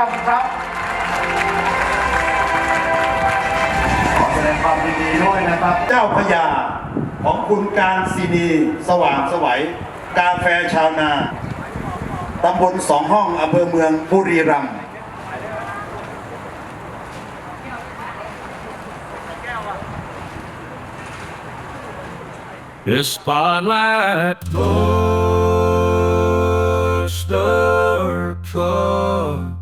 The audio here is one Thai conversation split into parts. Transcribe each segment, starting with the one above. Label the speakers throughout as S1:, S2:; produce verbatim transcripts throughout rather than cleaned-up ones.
S1: รัมย์ครับขอแสดงความยินดีด้วยนะครับเจ้าพญาของคุณการศินีสว่างไสวัยกาแฟชาวนาตำบลสองห้องอำเภอเมืองบุรีรัมย์
S2: The spotlight goes the court.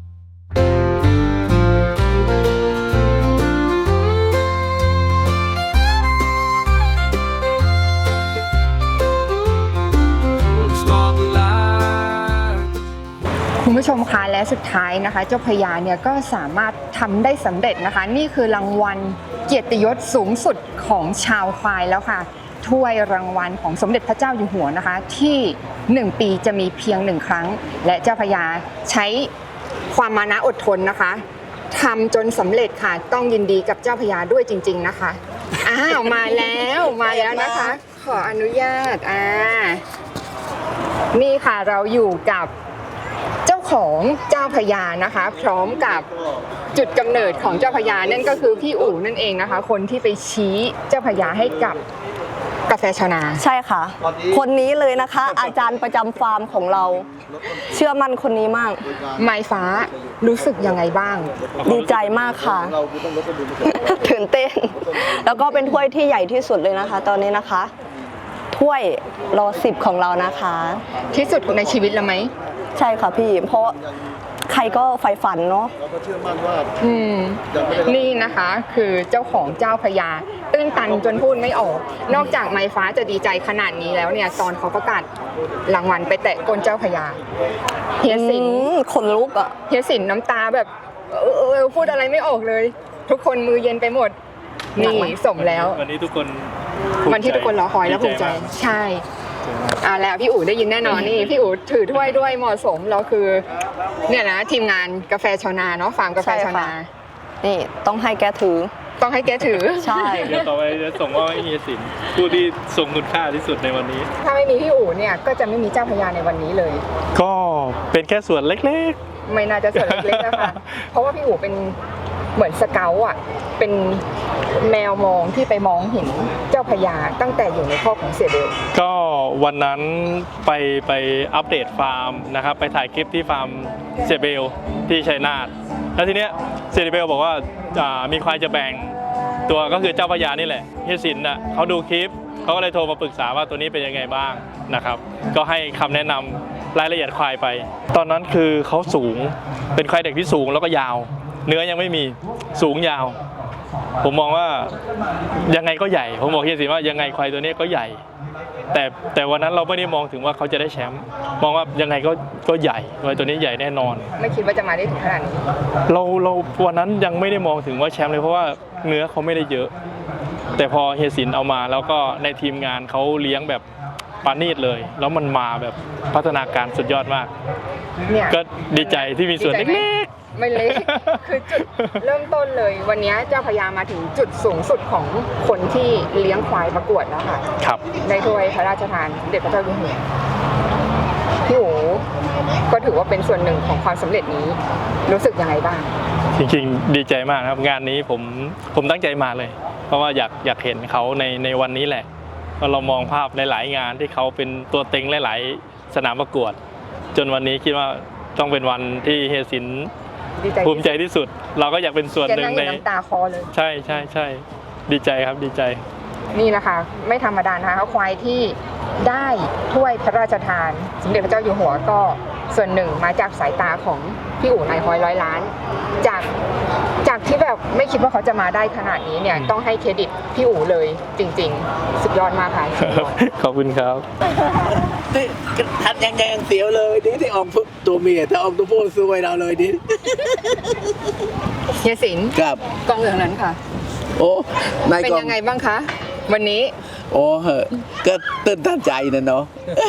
S3: คุณผู้ชมคะและสุดท้ายนะคะเจ้าพญาเนี่ยก็สามารถทำได้สำเร็จนะคะนี่คือรางวัลเกียรติยศสูงสุดของชาวควายแล้วค่ะถ้วยรางวัลของสมเด็จพระเจ้าอยู่หัวนะคะที่หนึ่งปีจะมีเพียงหนึ่งครั้งและเจ้าพญาใช้ความมานะอดทนนะคะทำจนสำเร็จค่ะต้องยินดีกับเจ้าพญาด้วยจริงๆนะคะอ้าวมาแล้วมาแล้วนะคะขออนุญาตอ่านี่ค่ะเราอยู่กับเจ้าของเจ้าพญานะคะพร้อมกับจุดกำเนิดของเจ้าพญานั่นก็คือพี่อู๋นั่นเองนะคะคนที่ไปชี้เจ้าพญาให้กับกาแฟชาวนา
S4: ใช่ค่ะคนนี้เลยนะคะอาจารย์ประจำฟาร์มของเราเชื่อมั่นคนนี้มาก
S3: ไม้ฟ้ารู้สึกยังไงบ้าง
S4: ดีใจมากค่ะตื่นเต้นแล้วก็เป็นถ้วยที่ใหญ่ที่สุดเลยนะคะ ตอนนี้นะคะถ้วยรอสิบของเรานะคะ
S3: ที่สุดในชีวิตแล้วไหม
S4: ใช่ค่ะพี่เพราะใครก็ใฝ่ฝันเนาะ
S1: เราก็เชื่อมั่นว่า
S3: อืมนี่นะคะคือเจ้าของเจ้าพญาตื้นตันจนพูดไม่ออกนอกจากไม้ฟ้าจะดีใจขนาดนี้แล้วเนี่ยตอนเขาประกาศรางวัลไปแตะก้นเจ้าพญาเฮียสิน
S4: ขนลุกอ่ะ
S3: เฮียสินน้ำตาแบบเออเออพูดอะไรไม่ออกเลย ทุกคนมือเย็นไปหมดนี่สมแล้ว
S5: วันนี้ทุกคน
S3: วันที่ทุกคนรอคอยและภูมิใจใช่อ่าแล้วพี่อู๋ได้ยินแน่นอนนี่พี่อู๋ถือถ้วยด้วยเหมาะสมเราคือเนี่ยนะทีมงานกาแฟชาวนาเนาะฟาร์มกาแฟชาวนา
S4: นี่ต้องให้แกถือ
S3: ต้องให้แกถือ
S4: ใช่
S5: เดี๋ยวต่อไปจะส่งว่าให้เฮียสินผู้ที่ทรงคุณค่าที่สุดในวันนี้
S3: ถ้าไม่มีพี่อู๋เนี่ยก็จะไม่มีเจ้าพญาในวันนี้เลย
S5: ก็เป็นแค่ส่วนเล็ก
S3: ๆไม่น่าจะส่วนเล็กๆนะคะเพราะว่าพี่อู๋เป็นเหมือนสเกลอ่ะเป็นแมวมองที่ไปมองเห็นเจ้าพญาตั้งแต่อยู่ในคอกของเสียเบล
S5: ก็วันนั้นไปไปอัปเดตฟาร์มนะครับไปถ่ายคลิปที่ฟาร์มเสียเบลที่ชัยนาทแล้วทีเนี้ยเสียเบลบอกว่ามีควายจะแบ่งตัวก็คือเจ้าพญานี่แหละเฮียสินน่ะเขาดูคลิปเขาก็เลยโทรมาปรึกษาว่าตัวนี้เป็นยังไงบ้างนะครับก็ให้คำแนะนำรายละเอียดควายไปตอนนั้นคือเขาสูงเป็นควายเด็กที่สูงแล้วก็ยาวเนื้อยังไม่มีสูงยาวผมมองว่ายังไงก็ใหญ่ผมบอกเฮียสิว่ายังไงควายตัวนี้ก็ใหญ่แต่แต่วันนั้นเราไม่ได้มองถึงว่าเขาจะได้แชมป์มองว่ายังไงก็ก็ใหญ่ควายตัวนี้ใหญ่แน่นอน
S3: ไม่คิดว่าจะมาได้ถึงขนาดนี้
S5: เราเราวันนั้นยังไม่ได้มองถึงว่าแชมป์เลยเพราะว่าเนื้อเขาไม่ได้เยอะแต่พอเฮียสินเอามาแล้วก็ในทีมงานเขาเลี้ยงแบบปานีตเลยแล้วมันมาแบบพัฒนาการสุดยอดมากก็ดีใจที่มีส่วนเล็ก
S3: ไม่เล็กคือจุดเริ่มต้นเลยวันนี้เจ้าพญามาถึงจุดสูงสุดของคนที่เลี้ยงควายประกวดแล้วค่ะ
S5: ครับ
S3: ในถ้วยพระราชทานเด็จพระเจ้าอยู่หัวพี่อู๋ก็ถือว่าเป็นส่วนหนึ่งของความสำเร็จนี้รู้สึกยังไงบ้าง
S5: จริงๆดีใจมากครับงานนี้ผมผมตั้งใจมาเลยเพราะว่าอยากอยากเห็นเขาในในวันนี้แหละเพราะเรามองภาพในหลายงานที่เขาเป็นตัวเต็งหลายๆสนามประกวดจนวันนี้คิดว่าต้องเป็นวันที่เฮียสินภูมิใจที่สุดเราก็อยากเป็นส่วนหนึ่งใน
S3: น้ำตาคอเลย
S5: ใช่ใช่ใช่ดีใจครับดีใจ
S3: นี่นะคะไม่ธรรมดานะคะควายที่ได้ถ้วยพระราชทานสมเด็จพระเจ้าอยู่หัวก็ส่วนหนึ่งมาจากสายตาของพี่อู๋นายฮอยร้อยล้านจากจากที่แบบไม่คิดว่าเขาจะมาได้ขนาดนี้เนี่ยต้องให้เครดิตพี่อู๋เลยจริงๆสุดยอดมากค่ะ
S5: ขอบคุณครับ
S6: ทัดยังไงยังเสียวเลยดิที่ออกตัวเมียถ้าออกตัวผู้ซวยเราเลยดิ
S3: เฮียสิน
S6: ครับ
S3: กองเหลืองนั้นค่ะ
S6: โอ้
S3: เป็นยังไงบ้างคะวันนี้
S6: โอ้เหอะก็ตื่นตันใจนะเนาะ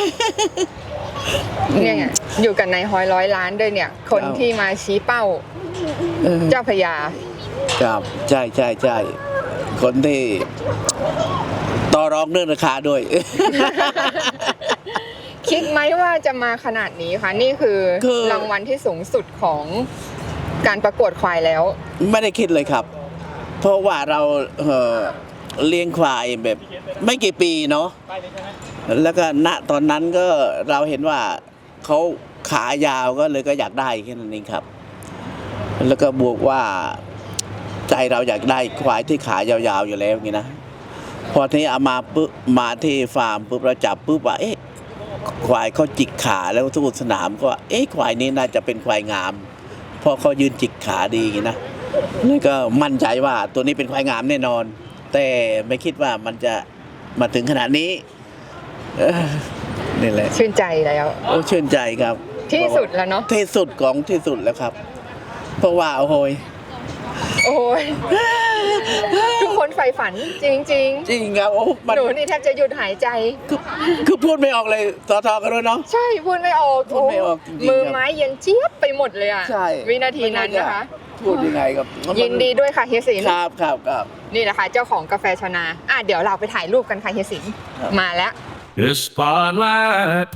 S3: เนี่ยอยู่กันในฮอยร้อยล้านด้วยเนี่ยคนที่มาชี้เป้าเจ้าพญา
S6: ครับใช่ใช่ใช่คนที่ต่อรองเรื่องราคาด้วย
S3: คิดไหมว่าจะมาขนาดนี้คะนี่คือ
S6: คือ
S3: รางวัลที่สูงสุดของการประกวดควายแล้ว
S6: ไม่ได้คิดเลยครับ เพราะว่าเราเอ่อเลี้ยงควายแบบไม่กี่ปีเนาะแล้วก็ณตอนนั้นก็เราเห็นว่าเขาขายาวก็เลยก็อยากได้แค่นั้นเองครับ แล้วก็บวกว่าใจเราอยากได้ควายที่ขายาวๆอยู่แล้วอย่างนี้นะพอทีนี้เอามาปุ๊บมาที่ฟาร์มปุ๊บเราจับปุ๊บว่าเอ๊ะควายเขาจิกขาแล้วทุกสนามก็ว่าเอ๊ะควายนี้น่าจะเป็นควายงามเพราะเขายืนจิกขาดีอย่างนี้นะแล้วก็มั่นใจว่าตัวนี้เป็นควายงามแน่นอน แต่ไม่คิดว่ามันจะมาถึงขนาดนี้เออนี่แหละ
S3: ชื่นใจแล้ว
S6: โอ้ชื่นใจครับ
S3: ที่สุดแล้วเนาะ
S6: ที่สุดของที่สุดแล้วครับ เพราะว่าโอ้โหย
S3: โอ้ยทุกคนใฝ่ฝันจริงๆ
S6: จริงครับโอ้มัน
S3: หนูนี่แทบจะหยุดหายใจ
S6: คือคือพูดไม่ออกเลยต่อทอกันด้วยเนาะ
S3: ใช่พูดไม่ออก
S6: พูดไม่ออกจริงๆ
S3: มือ
S6: ครับ
S3: ไม้เย็นเจี๊ยบไปหมดเลยอ่ะ
S6: ใช่
S3: วินาทีนั้นนะคะ
S6: พูดยังไงครับ
S3: ยินดีด้วยค่ะเฮียสิน
S6: ครับครับครับ
S3: นี่แหละค่ะเจ้าของกาแฟชนาอ่ะเดี๋ยวเราไปถ่ายรูปกันค่ะเฮียสิน
S6: ครับ
S3: มาแล้ว
S2: The spotlight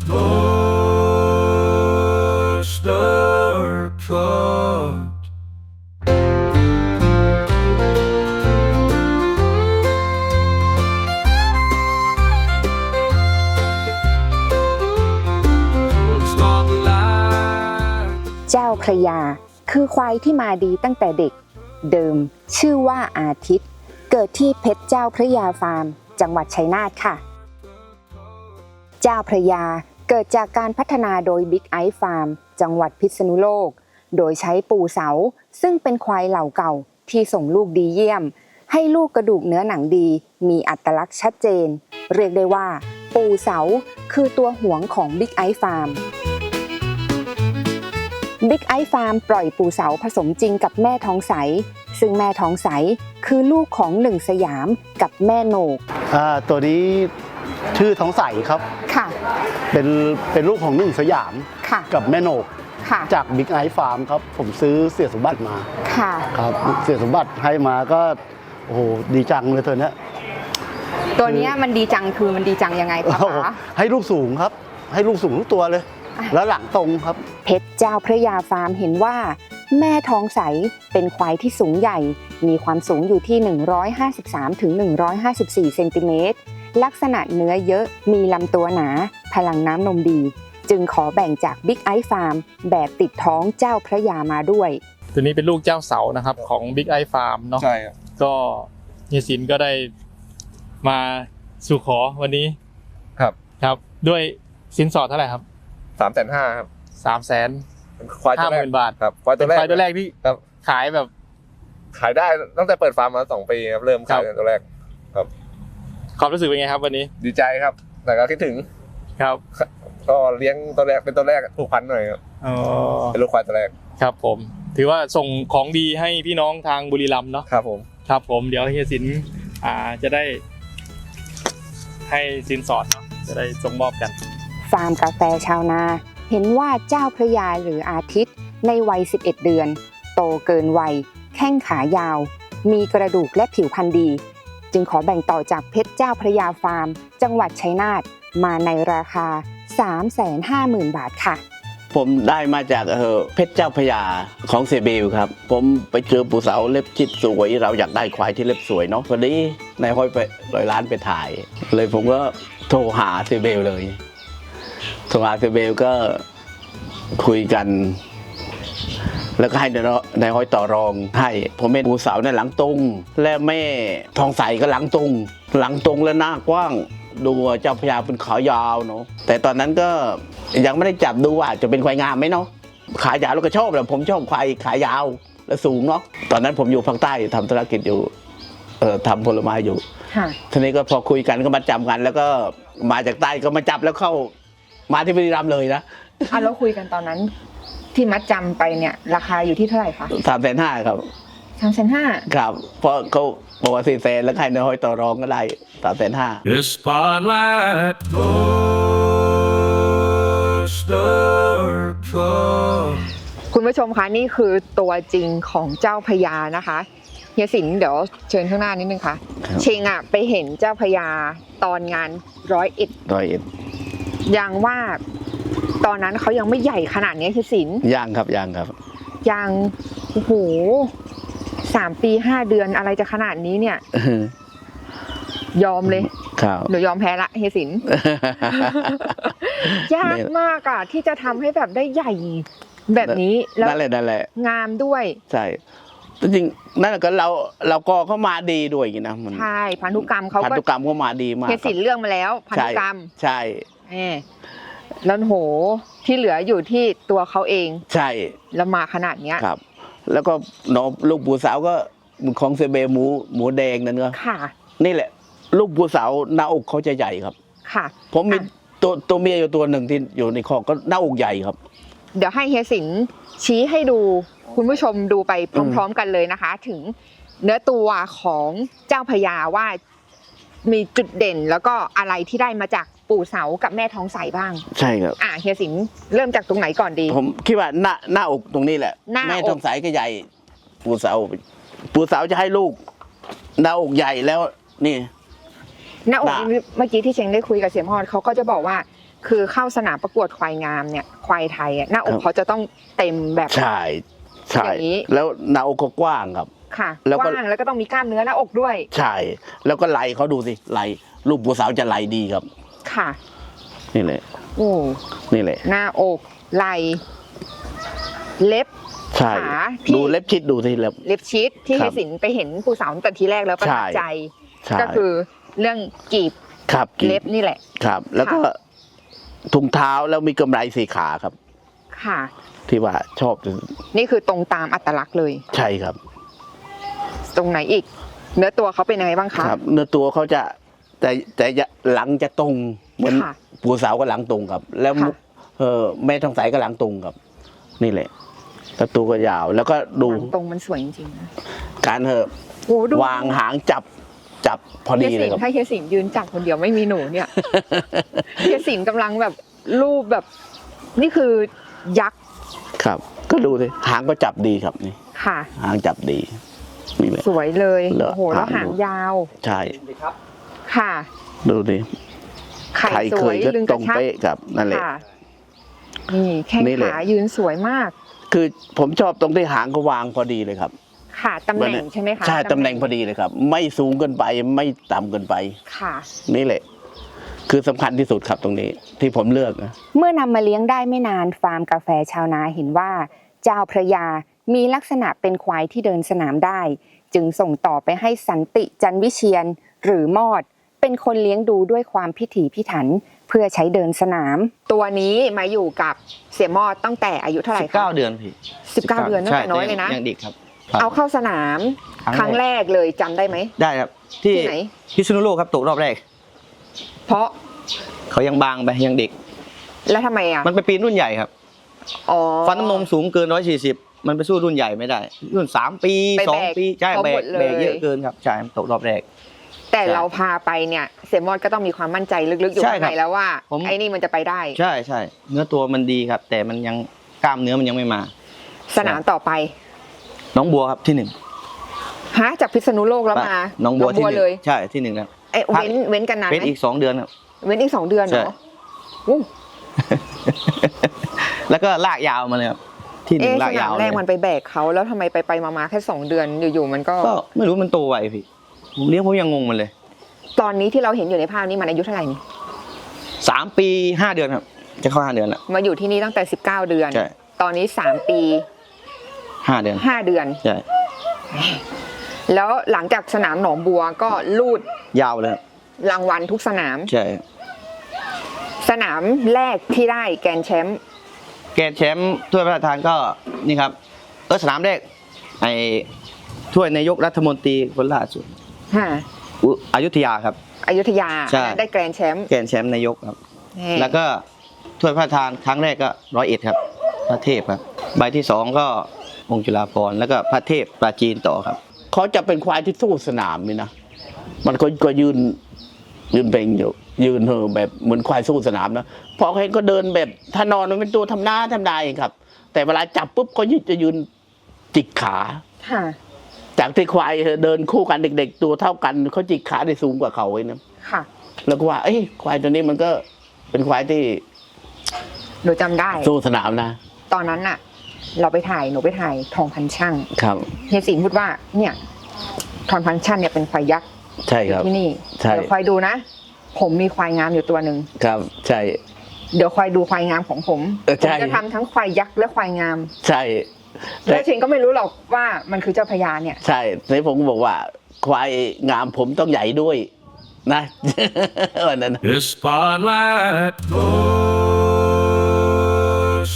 S2: goes dark. Spotlight.
S3: เจ้าพระยาคือควายที่มาดีตั้งแต่เด็กเดิมชื่อว่าอาทิตย์เกิดที่เพชรเจ้าพระยาฟาร์มจังหวัดชัยนาทค่ะเจ้าพระยาเกิดจากการพัฒนาโดยบิ๊กไอซ์ฟาร์มจังหวัดพิษณุโลกโดยใช้ปูเสาซึ่งเป็นควายเหล่าเก่าที่ส่งลูกดีเยี่ยมให้ลูกกระดูกเนื้อหนังดีมีอัตลักษณ์ชัดเจนเรียกได้ว่าปูเสาคือตัวหวงของบิ๊กไอซ์ฟาร์มบิ๊กไอซ์ฟาร์มปล่อยปูเสาผสมจริงกับแม่ทองใสซึ่งแม่ทองใสคือลูกของหนึ่งสยามกับแม่โหนก
S7: อ่าตัวนี้ชื่อทองใสครับ
S3: ค่ะ
S7: เป็นเป็นลูกของหนึ่งสยาม
S3: ค่ะ
S7: กับแม่โหนก
S3: ค่ะ
S7: จากบิ๊กไอฟาร์มครับ ผมซื้อเสียสมบัติมา
S3: ค่ะ
S7: ครับเสียสมบัติให้มาก็โอ้โหดีจังเลยตัวเนี้ย
S3: ตัวเนี้ยมันดีจังคือมันดีจังยังไงคะ
S7: โอ้โห
S3: ป๋า
S7: ให้ลูกสูงครับ ให้ลูกสูงทุกตัวเลย
S3: อ่ะ
S7: แล้วหลังตรงครับ
S3: เพชรเจ้าพระยาฟาร์มเห็นว่า แม่ทองใสเป็นควายที่สูงใหญ่ มีความสูงอยู่ที่ หนึ่งร้อยห้าสิบสามถึงหนึ่งร้อยห้าสิบสี่ เซนติเมตร ลักษณะเนื้อเยอะ มีลำตัวหนา พลังน้ำนมดี จึงขอแบ่งจากบิ๊กไอซ์ฟาร์มแบบติดท้องเจ้าพระยามาด้วย
S5: ตัวนี้เป็นลูกเจ้าเสานะครับของ Big Eye Farm เนาะ
S8: ใช่ครับ
S5: ก็เฮียสินก็ได้มาสู่ขอวันนี้
S8: ครับ
S5: ครับ ด้วยสินสอดเท่าไหร่ครับ
S8: สามแสนห้าครับ
S5: สามแสน
S8: เป็นควายตั
S5: ห้าว ห
S8: แรก
S5: มื่นบาท
S8: ครับควายตัวแรก
S5: ควายตัวแรกที่
S8: ครับ
S5: ขายแบบ
S8: ขายได้ตั้งแต่เปิดฟาร์มมาสองปีครับ เริ่มขาย
S5: ครับ
S8: ตัวแรก
S5: ความรู้สึกเป็นไงครับวันนี้
S8: ดีใจครับ แต่ก็คิดถึง
S5: ครับ
S8: ก็เลี้ยงตัวแรกเป็นตัวแรกผูกพันหน่อยครับ
S5: อ๋อ
S8: เป็นลูกควายตัวแรก
S5: ครับผม ถือว่าส่งของดีให้พี่น้องทางบุรีรัมย์เนาะ
S8: ครับผม
S5: ครับผมเดี๋ยวเฮียสินอ่าจะได้ให้สินสอดเนาะจะได้ส่งมอบกัน
S3: ฟาร์มกาแฟชาวนา เห็นว่าเจ้าพระยาหรืออาทิตย์ในวัย สิบเอ็ด เดือน โตเกินวัย แข้งขายาว มีกระดูกและผิวพรรณดี จึงขอแบ่งต่อจากเพชรเจ้าพระยาฟาร์ม จังหวัดชัยนาทมาในราคา สามแสนห้าหมื่น บาทค่ะ
S6: ผมได้มาจากเออเพชรเจ้าพระยาของเซเบลครับ ผมไปเจอปูเสาเล็บชิดสวยเราอยากได้ควายที่เล็บสวยเนาะพอดีนายห้อยไปร้อยล้านไปถ่าย เลยผมก็โทรหาเซเบลเลยโทรหาเซเบลก็คุยกัน แล้วก็ให้นายห้อยต่อรองให้ผมเป็นปูเสาในยหลังตรงและแม่ทองใสก็หลังตรงหลังตรงและหน้ากว้างดูเจ้าพระยาเป็นขายาวเนาะแต่ตอนนั้นก็ยังไม่ได้จับดูว่าจะเป็นควายงามไหมเนาะขายาวแล้วก็ชอบแหละผมชอบควายขายาวและสูงเนาะตอนนั้นผมอยู่ภาคใต้ทำธุรกิจอยู่เอ่อทำผลไม้อยู่
S3: ค่ะ
S6: ทีนี้ก็พอคุยกันก็มาจำกัน แล้วก็มาจากใต้ก็มาจับแล้วเข้ามาที่บุรีรัมย์เลยนะ
S3: อ่ะแล้วคุยกันตอนนั้น ที่มัดจำไปเนี่ยราคาอยู่ที่เท่าไหร่คะ
S6: สามแสนห้าครับ
S3: สามแสนห้า
S6: ครับเพราะเขาบอกว่าสี่แสนแล้วใครนายห้อยต่อรองก็ได้สามแสนห้า
S2: The spotlight goes dark.
S3: คุณผู้ชมคะนี่คือตัวจริงของเจ้าพญานะคะเฮียสินเดี๋ยวเชิญข้างหน้านิดนึงค่ะ
S6: ครับ
S3: เชงอ่ะไปเห็นเจ้าพญาตอนงานร้อยเอ็ด
S6: ร้อยเอ็ด
S3: ยังว่าตอนนั้นเขายังไม่ใหญ่ขนาดนี้คือศิลป์
S6: ยังครับยังครับ
S3: ยังโอ้โหสามปีห้าเดือนอะไรจะขนาดนี้เนี่ย ยอมเลย
S6: ครับ
S3: หนูยอมแพ้ละเฮียศิลป์ ยากมากอะที่จะทำให้แบบได้ใหญ่แบบนี้แล้ว
S6: นั่นแหละนั่นแหละ
S3: งามด้วย
S6: ใช่จริงๆนั่นก็เราเราก็เข้ามาดีด้วยอย่างนี้นะมัน
S3: ใช่พันธุกรรมเขา
S6: พัน
S3: ก็
S6: ธุกรรมเข้ามาดีมาก
S3: เฮียศิลป์เรื่องมาแล้วพันธุกรรม
S6: ใช่
S3: เออแล้วโหที่เหลืออยู่ที่ตัวเขาเอง
S6: ใช่
S3: แล้วมาขนาดเนี้ย
S6: ครับ แล้วก็น้องลูกปูสาวก็ของเซเบหมูหมูแดงนั่นก็
S3: ค่ะ
S6: นี่แหละ ลูกปูสาวหน้าอกเขาจะใหญ่ครับ
S3: ค่ะ
S6: ผมมี
S3: อ่ะ
S6: ตัวตัวเมียอยู่ตัวหนึ่งที่อยู่ในคอกก็หน้าอกใหญ่ครับ
S3: เดี๋ยวให้เฮียสิงห์ชี้ให้ดูคุณผู้ชมดูไปพร้อมๆกันเลยนะคะ ถึงเนื้อตัวของเจ้าพญาว่ามีจุดเด่นแล้วก็อะไรที่ได้มาจากปู่เสากับแม่ทองใสบ้าง
S6: ใช่ครับ
S3: อ่ะเฮียสิงห์เริ่มจากตรงไหนก่อนดี
S6: ผมคิดว่าหน้าหน้าอกตรงนี้แหละ
S3: หน้าอก
S6: แม่ทองสายก็ใหญ่ ปูสาวปูสาวจะให้ลูกหน้าอกใหญ่แล้วนี่
S3: หน้าอก
S6: หน้า
S3: เมื่อกี้ที่เชงได้คุยกับเสียมพรเขาก็จะบอกว่า คือเข้าสนามประกวดควายงามเนี่ยควายไทยอะหน้าอกเขาจะต้องเต็มแบบ
S6: ใช่ใช่
S3: อย่างนี้
S6: แล้วหน้าอกเขากว้างครับ
S3: ค่ะ
S6: แล้ว
S3: ก
S6: ก็
S3: ว้างแล้วก็ต้องมีกล้ามเนื้อหน้าอกด้วย
S6: ใช่ แล้วก็ไหลเขาดูสิไหลลูกปูสาวจะไหลดีครับ
S3: ค่ะ
S6: นี่แหละ
S3: โอ้
S6: นี่แหละ
S3: หน้าอกไหล่เล็บ
S6: ใช่
S3: ขาที่
S6: ดูเล็บชิดดูสิเล็บ
S3: เล็บชีสที่
S6: ครั
S3: เฮี
S6: บ
S3: ยสินไปเห็นปู่เสาตั้งแต่ทีแรกแล้วประทับ
S6: ใช่
S3: ใจ
S6: ใช่
S3: ก็คือเรื่องกีบ
S6: ครับกีบ
S3: เล็บนี่แหละ
S6: ครับ แล้วก็
S3: ค่ะ
S6: ถุงเท้าแล้วมีกำไรสีขาครับ
S3: ค่ะ
S6: ที่ว่าชอบ
S3: นี่คือตรงตามอัตลักษณ์เลย
S6: ใช่ครับ
S3: ตรงไหนอีก เนื้อตัวเขาเป็นยังไงบ้างคะ
S6: ครับ เนื้อตัวเขาจะแต่แต่จะหลังจะตรงเหมือน
S3: ค่ะ
S6: ปูสาวก็หลังตรงครับ แล้ว
S3: ค่ะ
S6: เออแม่ทองใสก็หลังตรงครับ นี่แหละแล้วตัวก็ยาว แล้วก็ดู
S3: หลังตรงมันสวยจริงๆนะ
S6: การเถอะ
S3: โอ้ดู
S6: วางหางจับจับพอ
S3: เฮี
S6: ดี
S3: ย
S6: เล
S3: สิ
S6: ย
S3: น
S6: ครับ
S3: ถ้าเฮียสินยืนจับคนเดียวไม่มีหนู เนี่ย เฮียสินกำลังแบบรูปแบบ นี่คือยักษ์
S6: ครับ ก็ดูสิหางก็จับดีครับนี่
S3: ค่ะ
S6: หางจับดีนี่แหละ
S3: สวยเลย
S6: เหรอ
S3: โอ้โหแล้ว
S6: หา
S3: หาง ง
S6: ดู
S3: ยาว
S6: ใช่
S3: ค่ะ
S6: ดูดิ
S3: ไข่
S6: ใคร
S3: ส
S6: เค
S3: วย
S6: ยก็
S3: ลึง
S6: ต
S3: ก
S6: ร
S3: ระ
S6: ง
S3: ชับ
S6: เป๊ะครับนั่นแหละ
S3: ค่ะนี่แข้ง
S6: นี่แหละ
S3: ขายืนสวยมาก
S6: คือผมชอบตรงที่หางก็วางพอดีเลยครับ
S3: ค่ะตำแหน่งใช่ไหมคะ
S6: ใช่ตำแหน่งพอดีเลยครับ ไม่สูงเกินไปไม่ต่ำเกินไป
S3: ค่ะ
S6: นี่แหละ คือสำคัญที่สุดครับตรงนี้ที่ผมเลือกนะ
S3: เมื่อนำมาเลี้ยงได้ไม่นานฟาร์มกาแฟชาวนาเห็นว่า เจ้าพระยามีลักษณะเป็นควายที่เดินสนามได้ จึงส่งต่อไปให้สันติจันวิเชียนหรือมอด เป็นคนเลี้ยงดูด้วยความพิถีพิถัน เพื่อใช้เดินสนาม ตัวนี้มาอยู่กับเสียมอดตั้งแต่อายุเท่าไหร่
S9: สิบ
S3: คะ
S9: เก้าเดือนพี่
S3: สิบเก้าเดือนตั้งแต่
S9: ใช่
S3: น้อยเลยนะ
S9: ยังเด็กครับ
S3: เอาเข้าสนาม
S9: ค
S3: ค
S9: รั้
S3: รั้
S9: ง
S3: ง
S9: แร
S3: แร
S9: ก
S3: กเลยจำได้ไหม
S9: ได้ครับ ที่
S3: ที่ไหน
S9: พิษณุโลกครับตกรอบแรก
S3: เพราะ
S9: เขายังบางไปยังเด็ก
S3: แล้วทำไมอ่ะ
S9: มันไปปีนรุ่นใหญ่ครับ
S3: อ๋อ
S9: ฟันน้ำนมสูงเกินร้อยสี่สิบมันไปสู้รุ่นใหญ่ไม่ได้ รุ่นสามปี
S3: ไป
S9: สอ
S3: แบ
S9: ง
S3: ก
S9: ปีใช่
S3: เขา
S9: แบ
S3: หม
S9: ก
S3: ดเลย
S9: แบกเยอะเกินครับใช่ตกรอบแรก
S3: แต่
S9: ใช่
S3: เราพาไปเนี่ยเสียมอดก็ต้องมีความมั่นใจลึกๆอยู่
S9: ใช่
S3: ข้าง
S9: ครั
S3: ใน
S9: บ
S3: แล้วว่า
S9: ผม
S3: ไอ้นี่มันจะไปได้
S9: ใช่ใช่เนื้อตัวมันดีครับ แต่มันยังกล้ามเนื้อมันยังไม่มา
S3: สนามต่อไป
S9: น้องบัวครับที่หนึ่ง
S3: ฮะจากพิษณุโลกแล้วมา
S9: น้องบัวที่หนึ่ง
S3: เลย
S9: ใช่ที่หนึ่งครับ
S3: เอ้ย
S9: พัก
S3: เว้นเว้นกันนานไห
S9: เป็น
S3: ม
S9: อีกสองเดือนครับ
S3: เว้นอีกสองเดือนเหร
S9: ใช่
S3: ออู้
S9: แล้วก็ลากยาวมาเลยครับที่หนึ่
S3: เอ๊ะ
S9: ง
S3: ส
S9: ลากาว
S3: นายม
S9: เล
S3: แร
S9: ย
S3: กมันไปแบกเขาแล้วทำไมไปไปๆมาๆแค่สองเดือนอยู่ๆมันก็
S9: ก็ไม่รู้มันโตไวพี่ผมเลี้ยงผมยังงงมันเลย
S3: ตอนนี้ที่เราเห็นอยู่ในภาพนี้มันอายุเท่าไหร่นี่
S9: สามปีห้าเดือนครับ จะเข้าห้าเดือนละ
S3: มาอยู่ที่นี่ตั้งแต่สิบเก้าเดือน
S9: ใช่
S3: ตอนนี้สามปี
S9: ห้าเดือน
S3: ห้าเดือน
S9: ใช่
S3: แล้วหลังจากสนามหนองบัวก็ลูด
S9: ยาวเลยครับ
S3: รางวัลทุกสนาม
S9: ใช่
S3: สนามแรกที่ได้แกรนด์แชมป์
S9: แกรนด์แชมป์ถ้วยพระราชทานก็นี่ครับเออสนามแรกไอ้ถ้วยนายกรัฐมนตรีคนล่าสุด
S3: ฮะ
S9: อุอยุธยาครับ
S3: อยุธยา
S9: ใช่
S3: ได้แกรนด์แชมป์
S9: แกรนด์แชมป์นายกครับ
S3: นี่
S9: แล้วก็ถ้วยพระราชทานครั้งแรกก็ร้อยเอ็ดครับ พระเทพครับใบที่สองก็องค์จุฬาภรณ์แล้วก็พระเทพปราจีนต่อครับ
S6: เขาจะเป็นควายที่สู้สนามนี่นะ มันก็ก็ยืนยืนเป่งอยู่ยืนเหอะแบบเหมือนควายสู้สนามนะพอเขาเห็นก็เดินแบบถ้านอนมันเป็นตัวทำหน้าทำนายเองครับ แต่เวลาจับปุ๊บเขาจะยืนจิกขา
S3: ค่ะ
S6: จากที่ควายเดินคู่กันเด็ก ๆ ตัวเท่ากันเขาจิกขาได้สูงกว่าเขาไว้นะ
S3: ค่ะ
S6: แล้วก็ว่าเอ้ยควายตัวนี้มันก็เป็นควายที่
S3: หนูจำได้
S6: สู้สนามนะ
S3: ตอนนั้นน่ะ เราไปถ่ายหนูไปถ่ายทองพันช่าง
S6: ครับ
S3: เฮียสิงห์พูดว่าเนี่ยทองพันช่างเนี่ยเป็นควายยักษ์
S6: ใช่ครับ
S3: ที่นี่
S6: ใช่
S3: เดี๋ยวคอยดูนะ ผมมีควายงามอยู่ตัวหนึ่ง
S6: ครับใช่
S3: เดี๋ยวคอยดูควายงามของผม
S6: เออ
S3: ผ
S6: ใช่
S3: มจะทำทั้งควายยักษ์และควายงาม
S6: ใช่
S3: แล้วชิงก็ไม่รู้หรอกว่ามันคือเจ้าพญาเนี่ย
S6: ใช่ในผมก็บอกว่า ควายงามผมต้องใหญ่ด้วยนะ วันนั้น
S2: The spotlight goes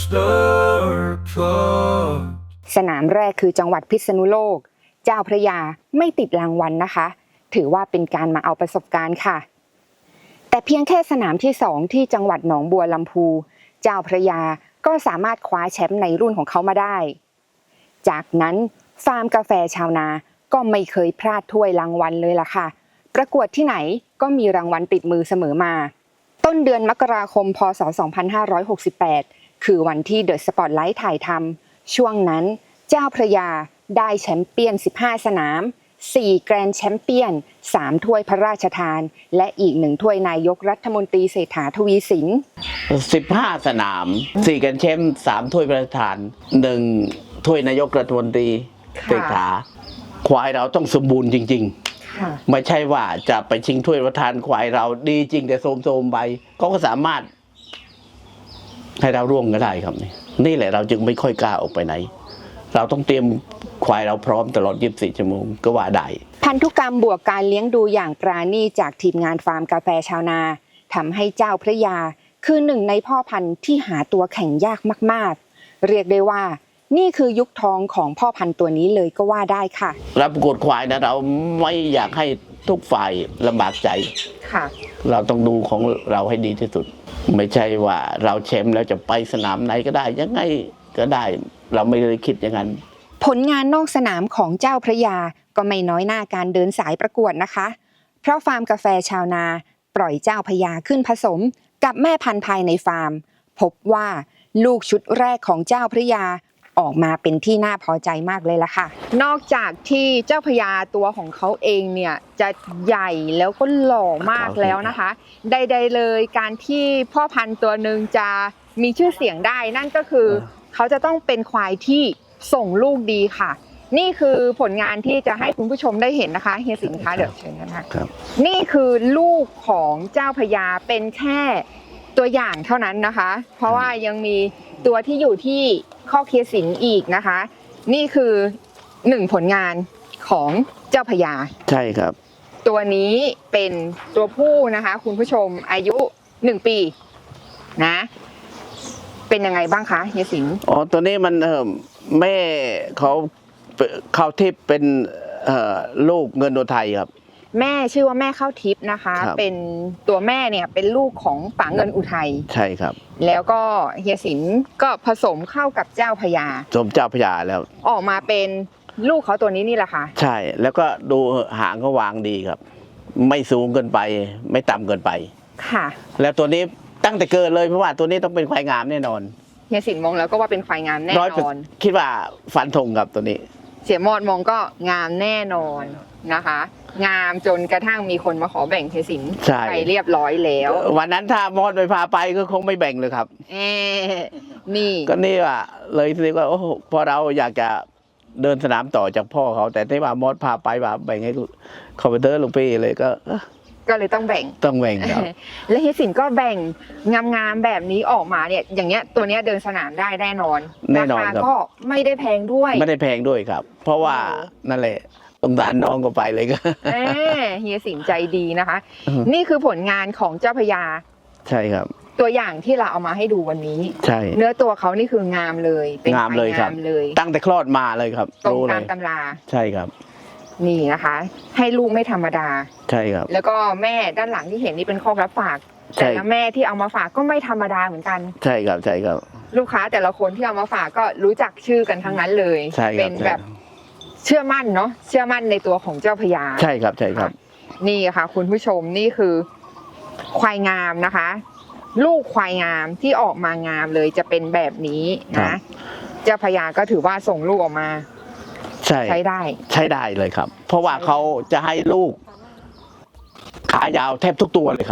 S2: dark.
S3: สนามแรกคือจังหวัดพิษณุโลก เจ้าพระยาไม่ติดรางวัลนะคะ ถือว่าเป็นการมาเอาประสบการณ์ค่ะ แต่เพียงแค่สนามที่สองที่จังหวัดหนองบัวลำพู เจ้าพระยาก็สามารถคว้าแชมป์ในรุ่นของเขามาได้ จากนั้นฟาร์มกาแฟชาวนาก็ไม่เคยพลาดถ้วยรางวัลเลยล่ะค่ะ ประกวดที่ไหนก็มีรางวัลติดมือเสมอมา ต้นเดือนมกราคม พ.ศ. สองพันห้าร้อยหกสิบแปด คือวันที่เดอะสปอตไลท์ถ่ายทำช่วงนั้นเจ้าพระยาได้แชมเปี้ยนสิบห้าสนามสี่แกรนด์แชมเปี้ยนสามถ้วยพระราชทานและอีกหนึ่งถ้วยนายกรัฐมนตรีเศรษฐาทวีสิน
S6: สิบห้าสนามสี่กันแชมป์สามถ้วยประธานหนึ่งถ้วยนายกรัฐมนตรี
S3: ค่ะ
S6: เศรษฐาควายเราต้องสมบูรณ์จริง
S3: ค่ะ
S6: ๆ ไม่ใช่ว่าจะไปชิงถ้วยประธานควายเราดีจริงแต่โสมๆไปเขาก็สามารถให้เราร่วงก็ได้ครับนี่นี่แหละเราจึงไม่ค่อยกล้าออกไปไหน เราต้องเตรียมควายเราพร้อมตลอดยี่สิบสี่ชั่วโมงก็ว่าได้
S3: พันธุกรรมบวกการเลี้ยงดูอย่างปราณีตจากทีมงานฟาร์มกาแฟชาวนาทำให้เจ้าพระยาคือหนึ่งในพ่อพันธุ์ที่หาตัวแข่งยากมากๆ เรียกได้ว่านี่คือยุคทองของพ่อพันธุ์ตัวนี้เลยก็ว่าได้ค่ะ
S6: รับประกวดควายนะเราไม่อยากให้ทุกฝ่ายลำบากใจ
S3: ค่ะ
S6: เราต้องดูของเราให้ดีที่สุด ไม่ใช่ว่าเราแชมป์แล้วจะไปสนามไหนก็ได้ยังไงก็ได้ เราไม่ได้คิดอย่างนั้น
S3: ผลงานนอกสนามของเจ้าพระยาก็ไม่น้อยหน้าการเดินสายประกวดนะคะ เพราะฟาร์มกาแฟชาวนาปล่อยเจ้าพระยาขึ้นผสมกับแม่พันธุ์ภายในฟาร์ม พบว่าลูกชุดแรกของเจ้าพระยาออกมาเป็นที่น่าพอใจมากเลยล่ะค่ะ นอกจากที่เจ้าพระยาตัวของเขาเองเนี่ยจะใหญ่แล้วก็หล่อมากแล้วนะคะ ใดๆเลยการที่พ่อพันธุ์ตัวหนึ่งจะมีชื่อเสียงได้นั่นก็คือเขาจะต้องเป็นควายที่ส่งลูกดีค่ะ นี่คือผลงานที่จะให้คุณผู้ชมได้เห็นนะคะเฮียสิงห์คะเดี๋ยวเชิญนะคะ
S6: ครับ
S3: นี่คือลูกของเจ้าพญาเป็นแค่ตัวอย่างเท่านั้นนะคะ เพราะว่ายังมีตัวที่อยู่ที่ข้อเฮียสิงห์อีกนะคะ นี่คือหนึ่งผลงานของเจ้าพญา
S6: ใช่ครับ
S3: ตัวนี้เป็นตัวผู้นะคะ คุณผู้ชมอายุหนึ่งปีนะ เป็นยังไงบ้างคะเฮียสิงห์
S6: อ๋อตัวนี้มันเออแม่เขาเขาทิพย์เป็นเอ่อลูกเงินโดไทยครับ
S3: แม่ชื่อว่าแม่ข้าวทิพย์นะคะ
S6: ครับ
S3: เป็นตัวแม่เนี่ยเป็นลูกของป๋าเงินอุทัย
S6: ใช่ครับ
S3: แล้วก็เฮียสินก็ผสมเข้ากับเจ้าพญา
S6: สมเจ้าพระยาแล้ว
S3: ออกมาเป็นลูกเขาตัวนี้นี่แหละค่ะ
S6: ใช่แล้วก็ดูหางเขาวางดีครับ ไม่สูงเกินไป ไม่ต่ำเกินไป
S3: ค่ะ
S6: แล้วตัวนี้ตั้งแต่เกิดเลยเพราะว่าตัวนี้ต้องเป็นควายงามแน่นอน
S3: เฮียสินมองแล้วก็ว่าเป็นควายงามแน่
S6: ร้อย
S3: นอน
S6: คิดว่าฟันธงครับตัวนี้
S3: เสียมอดมองก็งามแน่นอนนะคะ งามจนกระทั่งมีคนมาขอแบ่งเฮียสิน
S6: ใช่
S3: ไปเรียบร้อยแล้ว
S6: วันนั้นถ้ามอดไปพาไปก็คงไม่แบ่งเลยครับ
S3: เอ๊ะนี่
S6: ก็นี่ว่าเลยคิดว่าโอ้โหพอเราอยากจะเดินสนามต่อจากพ่อเขา แต่ที่ว่ามอดพาไปว่าแบ่งให้คอมพิวเตอร์ลุงพี่เลยก็เอ้อ
S3: ก็เลยต้องแบ่ง
S6: ต้องแบ่งครับ
S3: และเฮียสินก็แบ่งงามๆแบบนี้ออกมาเนี่ยอย่างเงี้ยตัวเนี้ยเดินสนามได้แน่นอน
S6: แน่นอน
S3: รา
S6: ครั
S3: คา
S6: บ
S3: ก็ไม่ได้แพงด้วย
S6: ไม่ได้แพงด้วยครับ เพราะว่านั่นแหละสงสารน้องก็ไปเลยก็
S3: เอ้เฮียสินใจดีนะคะ
S6: อือฮึ
S3: นี่คือผลงานของเจ้าพญา
S6: ใช่ครับ
S3: ตัวอย่างที่เราเอามาให้ดูวันนี้
S6: ใช่
S3: เนื้อตัวเขานี่คืองามเลยเป็น
S6: งามเลยครับ
S3: งามเลย
S6: ตั้งแต่คลอดมาเลยครับ
S3: ตรง
S6: รู้เล
S3: ตาม
S6: ย
S3: ตำรา
S6: ใช่ครับ
S3: นี่นะคะ ให้ลูกไม่ธรรมดา
S6: ใช่ครับ
S3: แล้วก็แม่ด้านหลังที่เห็นนี่เป็นข้อรับฝาก
S6: ใช่
S3: แต่ละแม่ที่เอามาฝากก็ไม่ธรรมดาเหมือนกัน
S6: ใช่ครับใช่ครับ
S3: ลูกค้าแต่ละคนที่เอามาฝากก็รู้จักชื่อกันทั้งนั้นเลย
S6: ใช่ครับ
S3: เป็นแบบเชื่อมั่นเนาะเชื่อมั่นในตัวของเจ้าพญา
S6: ใช่ครับใช่ครับ
S3: นี่ค่ะ คุณผู้ชมนี่คือควายงามนะคะ ลูกควายงามที่ออกมางามเลยจะเป็นแบบนี้
S6: ครั
S3: นะ
S6: บ
S3: เจ้าพญาก็ถือว่าส่งลูกออกมา
S6: ใช่
S3: ใช้ได้
S6: ใช้ได้เลยครับ เพราะว่าเขาจะให้ลูกขายาวแทบทุกตัวเลยครับ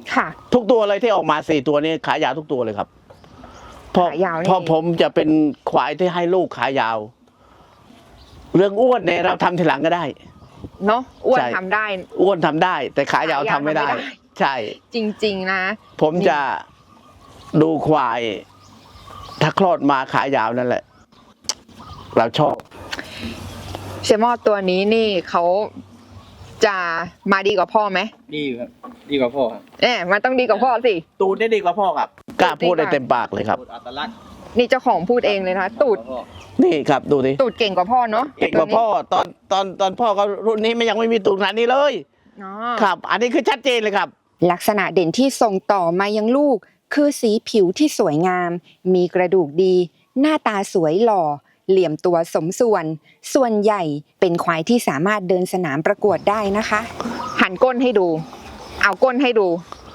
S3: ค่ะ
S6: ทุกตัวเลยที่ออกมาสี่ตัวนี้ขายาวทุกตัวเลยครับเพราะ
S3: ขายาวนี่
S6: เพราะผมจะเป็นควายที่ให้ลูกขายาว เรื่องอ้วนเนี่ยเราทำทีหลังก็ได้
S3: เนาะอ้วน
S6: ใช่
S3: ทำได้
S6: อ้วนทำได้ แต่ขายาวทำไม่ได้
S3: ขายาวทำไม่ได้
S6: ใช่
S3: จริง ๆ นะ
S6: ผมจะดูควาย ถ้าคลอดมาขายาวนั่นแหละ เราชอบ
S3: เชมอตัวนี้นี่เขาจะมาดีกว่าพ่อไหม
S9: ดีครับดีกว่าพ่อครับ
S3: เอ๊ะมันต้องดีกว่าพ่อสิ
S6: ตูดได้ดีกว่าพ่อครับกล้าพูดได้เต็มปากเลยครับ
S9: อัตลักษณ์
S3: นี่เจ้าของพูดเองเลยนะคะตูด
S6: นี่ครับดูดิ
S3: ตูดเก่งกว่าพ่อเนาะ
S6: เก่งกว่าพ่อตอนตอนตอนพ่อเขารุ่นนี้มันยังไม่มีตูดขนาดนี้เลย
S3: อ๋อ
S6: ครับ อันนี้คือชัดเจนเลยครับ
S3: ลักษณะเด่นที่ส่งต่อมายังลูก คือสีผิวที่สวยงาม มีกระดูกดี หน้าตาสวยหล่อ เหลี่ยมตัวสมส่วน ส่วนใหญ่เป็นควายที่สามารถเดินสนามประกวดได้นะคะ หันก้นให้ดู เอาก้นให้ดู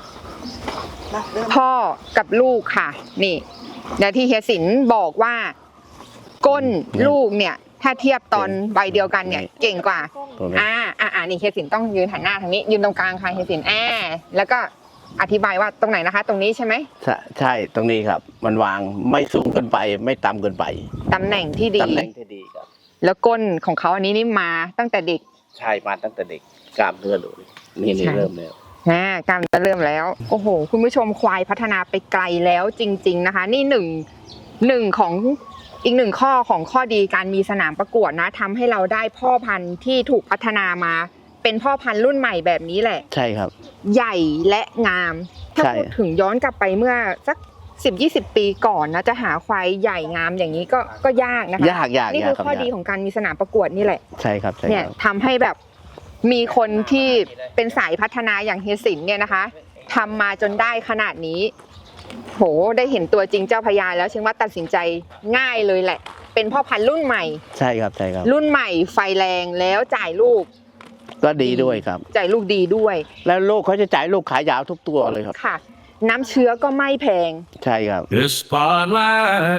S3: พ่อกับลูกค่ะ นี่เดี๋ยวที่เฮียสินบอกว่า ก้นลูกเนี่ย ถ้าเทียบตอนใบเดียวกันเนี่ย เก่งกว่า
S6: ตรงนี้
S3: อ่าอ่าอ่านี่เฮียสินต้องยืนหันหน้าทางนี้ ยืนตรงกลางค่ะเฮียสินอ่าแล้วก็อธิบายว่าตรงไหนนะคะ ตรงนี้ใช่ไหม
S6: ใช่ใช่ตรงนี้ครับ มันวางไม่สูงเกินไป ไม่ต่ำเกินไป
S3: ตำแหน่งที่ดี
S6: ตำแหน่งที่ดีครับ
S3: แล้วก้นของเขาอันนี้นี่มาตั้งแต่เด็ก
S6: ใช่มาตั้งแต่เด็กกล้ามเนื้อดูนี่นี่
S3: ใช่
S6: เริ่มแล้ว
S3: อ่ากำลังจะเริ่มแล้ว โอ้โห คุณผู้ชมควายพัฒนาไปไกลแล้วจริง ๆนะคะ นี่หนึ่งหนึ่งของอีกหนึ่งข้อของข้อดีการมีสนามประกวดนะทำให้เราได้พ่อพันธุ์ที่ถูกพัฒนามา เป็นพ่อพันธุ์รุ่นใหม่แบบนี้แหละ
S6: ใช่ครับ
S3: ใหญ่และงาม ถ้า
S6: ใช่
S3: พูดถึงย้อนกลับไปเมื่อสักสิบยี่สิบปีก่อนนะจะหาควายใหญ่งามอย่างนี้ก็ก็ยากนะคะ
S6: ยากยาก
S3: นี่
S6: ยา
S3: คื
S6: ก
S3: อ
S6: ครับ
S3: ข้อย
S6: าก
S3: ดีของการมีสนามประกวดนี่แหละ
S6: ใช่ครับใช่
S3: เนี่ย
S6: ครับ
S3: ทำให้แบบมีคนที่เป็นสายพัฒนาอย่างเฮียสินเนี่ยนะคะทำมาจนได้ขนาดนี้ โหได้เห็นตัวจริงเจ้าพญาแล้วเชื่อว่าตัดสินใจง่ายเลยแหละ เป็นพ่อพันธุ์รุ่นใหม่
S6: ใช่ครับใช่ครับ
S3: รุ่นใหม่ไฟแรงแล้วจ่ายลูก
S6: ก็ดีด้วยครับ
S3: จ่ายลูกดีด้วย
S6: แล้วลูกเขาจะจ่ายลูกขายาวทุกตัวเลยครับ
S3: ค่ะ น้ำเชื้อก็ไม่แพง
S6: ใช่ครับ
S2: The spotlight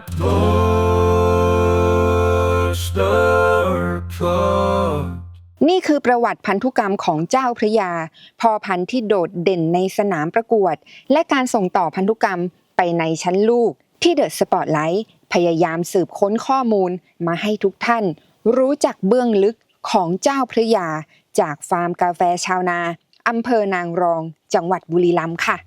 S2: goes dark.
S3: นี่คือประวัติพันธุกรรมของเจ้าพระยาพ่อพันธุ์ที่โดดเด่นในสนามประกวด และการส่งต่อพันธุกรรมไปในชั้นลูกที่เดอะสปอตไลท์พยายามสืบค้นข้อมูลมาให้ทุกท่าน รู้จักเบื้องลึกของเจ้าพระยาจากฟาร์มกาแฟชาวนาอำเภอนางรองจังหวัดบุรีรัมย์ค่ะ